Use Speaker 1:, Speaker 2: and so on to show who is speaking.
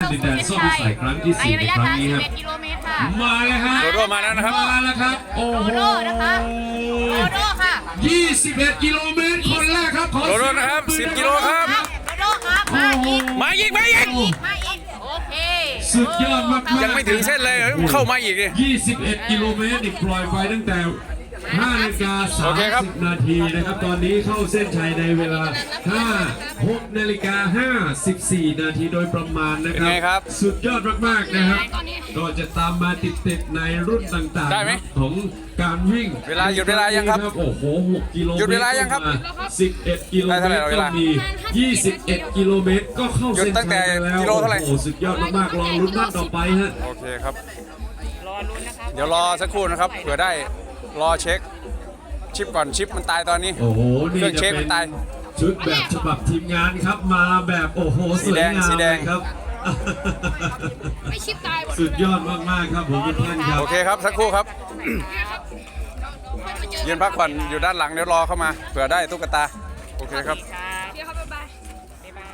Speaker 1: ดินแดนส้มวิสัยครั้งที่4ในครั้งนี้ครับ
Speaker 2: กิโลเมตรค่ะ
Speaker 1: มาเลยฮะ
Speaker 3: โดโดมาแล้วนะครับ
Speaker 1: มาแล้วครับโอ้โห
Speaker 2: โดโดนะคะโดโดค่ะ
Speaker 1: 21 กิโลเมตรคนแรกครับขอ
Speaker 3: โดโดนะครับ10 กิโลครับ
Speaker 2: โดโดครับมาอีก
Speaker 3: มาอีก
Speaker 2: มาอีกโอเค
Speaker 1: สุดยอดมากๆ
Speaker 3: ยังไม่ถึงเส้นเลยเข้ามาอีกดิ
Speaker 1: 21 กิโลเมตรนี่ปล่อยไปตั้งแต่5:30
Speaker 3: โอเคครับ
Speaker 1: นาทีนะครับตอนนี้เข้าเส้นชัยในเวลา6:54 นาทีโดยประมาณนะ
Speaker 3: เป็น
Speaker 1: ค
Speaker 3: ไงค
Speaker 1: รั
Speaker 3: รั
Speaker 1: บบ สุดยอดมากๆนะครับก็จะตามมาติดๆในรุ่นต่าง
Speaker 3: ได้ไหม
Speaker 1: ๆของการวิ่ง
Speaker 3: เวลาหยุดเวลายังครับ
Speaker 1: โอ้โห6 กิโลเมตร
Speaker 3: หยุดเวลายังครับ
Speaker 1: 11 กิโล
Speaker 3: ได้
Speaker 1: เม
Speaker 3: เท่าไหร่
Speaker 1: ตร
Speaker 3: เว
Speaker 1: ก็
Speaker 3: ลา
Speaker 1: มี21 กิโลเมตรก็เข้า
Speaker 3: หยุด
Speaker 1: เส้น
Speaker 3: ตั้งแต่
Speaker 1: ชัยแล้ว
Speaker 3: กิโลเท่าไหร่
Speaker 1: โอ้โหสุดยอดมากๆรอลุ้นนัดต่อไปฮะ
Speaker 3: โอเคครับเดี๋ยวรอสักครู่นะครับเผื่อได้รอเช็คชิปก่อนชิปมันตายตอนนี้
Speaker 1: โอ้โห นี่
Speaker 3: เครื่อง
Speaker 1: จะ
Speaker 3: เช็ค
Speaker 1: เป็
Speaker 3: มัน นตาย
Speaker 1: ชุดแบบฉบับทีมงานครับมาแบบโอ้โหสวยงาม
Speaker 3: สีแดง
Speaker 1: เลยครับ
Speaker 2: ไม่ชิปตายหมด
Speaker 1: สุดยอดมากๆครับผมทุกท่านครับ
Speaker 3: โอเคครับสักครู่ครับยืนพักผ่อนอยู่ด้านหลังเดี๋ยวรอเข้ามาเผื่อได้ตุ๊กตาโอเคครับ
Speaker 2: ค่ะ